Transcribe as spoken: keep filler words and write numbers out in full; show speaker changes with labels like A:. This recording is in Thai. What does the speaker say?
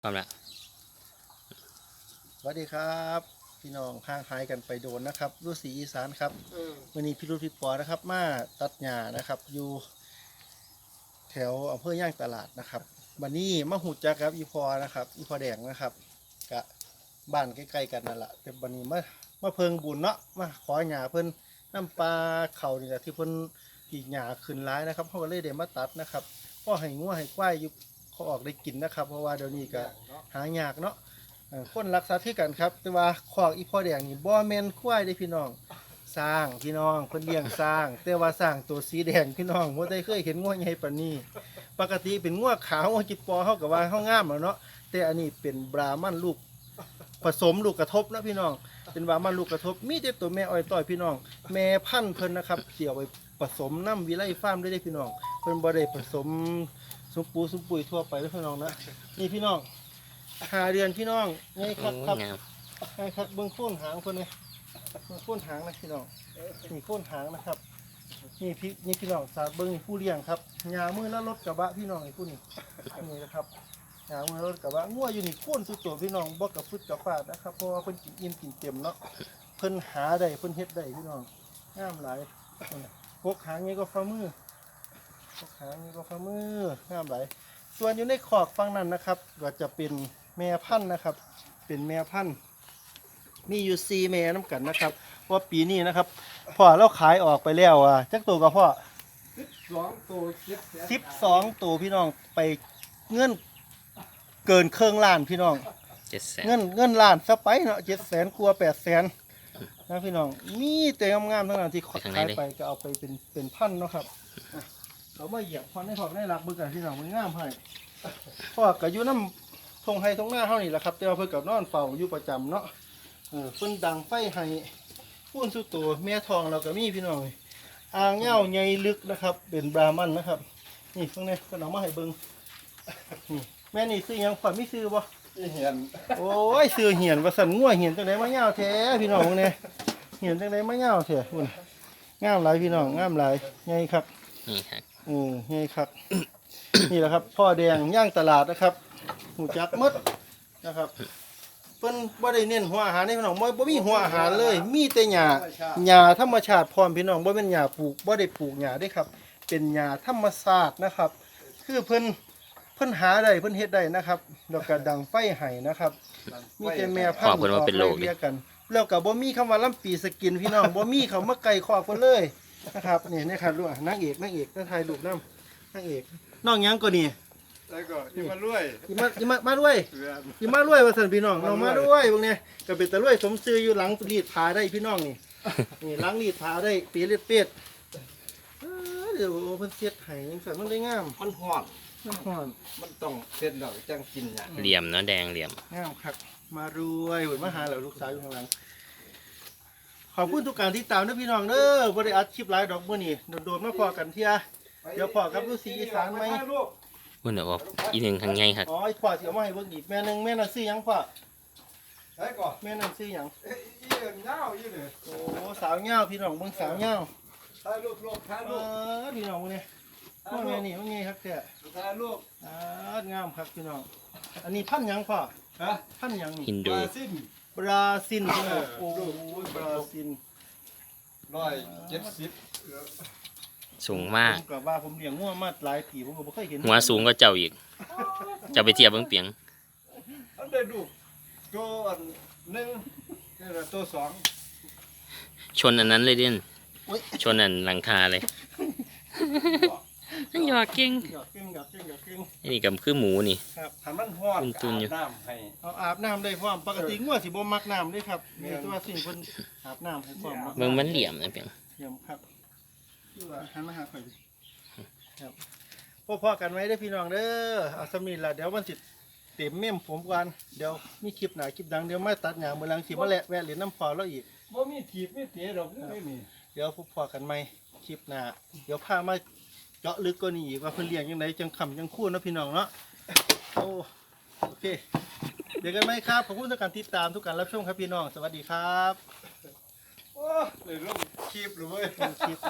A: พร้อมแล้ว
B: สวัสดีครับพี่น้องห่างหายกันไปโดนนะครับรุ่สีอีสานครับวันนี้พี่รุ่พี่ปอนะครับมาตัดหญ้านะครับอยู่แถวอำเภอย่างตลาดนะครับวันนี้มาหูจักครับอีพอนะครับอีพอแดงนะครับกะบ้านใกล้ๆกันนั่นแหละแต่วันนี้มามาเพิงบุญเนาะมาขอหญ้าเพิ่นน้ำปลาเขานี่แหละที่เพิ่นปีกหญ้าขึ้นร้ายนะครับเขาก็เลยเดี๋ยวมาตัดนะครับพ่อให้งัวให้ควายอยู่เขาออกได้กินนะครับเพราะว่าเดี๋ยวนี้ก็หายากเนาะคนรักษาที่กันครับแต่ว่าขอกอีพ่อแดงนี่บ่แม่นควายได้พี่น้องสร้างพี่น้องเพิ่นเลี้ยงสร้างแต่ว่าสร้างตัวสีแดงพี่น้องบ่ได้เคยเห็นงัวใหญ่ปานนี้ปกติเป็นงัวขาวงัวจิปอเฮาก็ว่าเฮางามแล้วเนาะแต่อันนี้เป็นบราหมันลูกผสมลูกกระทบนะพี่น้องเป็นบราหมันลูกกระทบมีแต่ตัวแม่อ้อยต้อยพี่น้องแม่พันธุ์เพิ่นนะครับเสี่ยวไปผสมน้ำวิไลฟาร์มได้ได้พี่น้องเพิ่นบ่ได้ผสมสุมปูสุมปุ๋ยทั่วไปเด้อพี่น้องนะนี่พี่น้องหาเดือนพี่น้องไงครับครับไงครับเบิ้งโค่นหางคนนี้เบิ้งโค่นหางนะพี่น้องนี่โค่นหางนะครับนี่พี่นี่พี่น้องสาเบิ้งผู้เลี้ยงครับยามือแล้วรถกระบะพี่น้องไอ้ผู้นี่นี่นะครับยามือรถกระบะงัวอยู่นี่โค่นสุดตัวพี่น้องบ่กับฟึดกับฟาดนะครับเพราะว่าเพิ่นกินอิ่มกินเต็มเนาะเพิ่นหาได้เพิ่นเฮ็ดได้พี่น้องงามหลายพวกหางนี้ก็ฝ่ามือพวกหางนี้ก็ฝ่ามืองามหลายส่วนอยู่ในขอกฝั่งนั้นนะครับก็จะเป็นแม่พันธุ์นะครับเป็นแม่พันธุ์มีอยู่สี่แม่น้ำกันนะครับว่าปีนี้นะครับพ่อเราขายออกไปแล้วอ่ะจักตัวกับพ่อสองตัวสิบสองตัวพี่น้องไปเงินเกินเครื่องล้านพี่น้อง
A: เจ็ดแสน
B: เงินเงินล้านซะไปเนาะเจ็ดแสนกลัวแปดแสนนะพี่น้องมีแต่งามๆทั้งนั้นที่ขายไปก็เอาไปเป็นเป็นพันเนาะครับเราไม่เหยียบพอได้พอได้รักบึกกันพี่น้องมันงามให้พ่อก็อยู่น้ำทงไฮทงหน้าเท่านี้แหละครับแต่ว่าเพิ่นกับนอนเฝ้าอยู่ประจำเนาะเออเพิ่นดังไฟให้พูนสุดตัวแม่ทองเราก็มีพี่น้องอ่างเง่าใหญ่ลึกนะครับเป็นบรามันนะครับนี่ตรงนี้ก็นำมาให้เบิ่งนี่แม่นี่ซื้อยังขวัญไม่ซื้อบ่เหียนโอ้ยซื้อเหียนว่าสั่นงัวเหียนจังได๋มาเง่าแท้พี่น้องพวกนี้เหียนจังได๋มาเง่าแท้พุ่นงามหลายพี่น้องงามหลายใหญ่ครับ
A: นี่ครับ
B: อือใหญ่ครับ นี่แหละครับพ่อแดงย่างตลาดนะครับหูจักมดนะครับเพิ่นบ่ได้เน้นหัวอาหารให้พี่น้องบ่บ่มีหัวอาหารเลยมีแต่หญ้าหญ้าธรรมชาติพร้อมพี่น้องบ่เป็นหญ้าปลูกบ่ได้ปลูกหญ้าเด้ครับเป็นหญ้าธรรมชาตินะครับคือเพิ่นเพิ่นหาได้เพิ่นเฮ็ดได้นะครับแล้วก็ดังไฟให้นะครับมีแต่แม่พันธุ์ออกไล่เรียกันแล้วก็บ่มีคำว่าลำปีสกินพี่น้องบ่มีคำว่าไก่คอกเพิ่นเลยนะครับนี่นี่ครับลูกนางเอกนางเอกนางถ่ายรูปนำนางเอกน้องยังก็นี่
C: แล้วก็ที่มาด้วย
B: ที่มาที่มามาด้วยที่มาด้วยว่าสันพี่น้องน้องมาด้วยพวกนี้ก็เป็นตะลุยสมซื้ออยู่หลังรีดผาได้พี่น้องนี่นี่หลังรีดผาได้ปีเล็ดเป็ดเดี๋ยวเพิ่นเสียดไห้ยังสั่นมันได้งาม
C: มันห่อน
B: มันห่อน
C: มันต้องเส้นดอกจังกินอย่าง
A: เหลี่ยมเนาะแดงเหลี่ยม
B: งามครับมารวยหุ่นมาหาเหล่าลูกสาวอยู่ข้างหลังขอบคุณทุกการที่ตามนะพี่น้องเด้อบริอัดคลิปไลฟ์ดอกบัวนี่โดนๆมาพอกันเที่ยเดี๋ยวพอกับลูกสีอีสานไหม
A: มันเดี๋ยวอีหนึ่งทางไงครับ
B: อ๋อไอ้พ่อที่เอามาให้เบิ่งอีกแม่นึงแม่นั่นซื้อยังพ่อ
C: ใช่ก่อน
B: แม่นั่นซื้อยัง
C: เอ้ยอีเงาอีเลย
B: โอ้สาวเงาพี่น้องเบิ่งสาวเงา
C: ถ่ายรูปลูกถ่ายรูป
B: เออพี่น้องมึงเนี่ยว่าไงนี่ว่าไงครับเจ้
C: ถ่ายรูป
B: อ่างามครับพี่น้องอันนี้พันยังพ่อ
C: ฮะ
B: พันยังนี่
A: ฮินดู
C: สิ้น
B: บราซิลพี่น้องโอ้บราซิล
C: ร้อยเจ็ดสิบ
A: สูงมาก
B: ผมกับว่าผมเลี้ยงงัวมาหลายปีผมก็ไม่เคยเห็น
A: หัวสูงก็เจ้าอีกจะไปเทียบเบิ้งเปียง
C: อันเดียดูตัวอันหนึ่งนี่ตัวสอง
A: ชนอันนั้นเลยเด่นชนอันหลังคาเลยนั่นหยอกเก่ง
B: หยอกเก่งหยอกเก่งหยอกเก่ง
A: นี่กับคือหมูนี่
B: ครับ
C: ทำมันห่อนอาบน้ำให้
B: เอาอาบน้ำได้พร้อมปกติงัวสิบ่มักน้ำด้วยครับนี่ตัวสิ่งคนอาบน้ำให้พร้อม
A: เบิ้งมันเหลี่ยมนะเปียง
B: เหลี่ยมครับหันมาหาข่อยครับพ่อๆกันไว้ได้พี่น้องเด้อเอาสมิธละเดี๋ยววันสิเต็มเมี่ยมผมกันเดี๋ยวมีคลิปหนาคลิปดังเดี๋ยวมาตัดหยางเมื่อหลังสิมาแหละแวะเหรียญน้ำพอแล้วอีก
C: บ่มีถีบไม่เตะดอกไม่มี
B: เดี๋ยวพ่อๆกันไหมคลิปหนาเดี๋ยวพามาเจาะลึกกว่านี้อีกว่าเพิ่นเลี้ยงยังไงจังคำจังคู่นะพี่น้องเนาะโอ้โอเคเดี๋ยวกันไหมครับขอบคุณทุกการติดตามทุกการรับชมครับพี่น้องสวัสดีครับ
C: โอ้เลยลงคลิปเลย
B: คลิป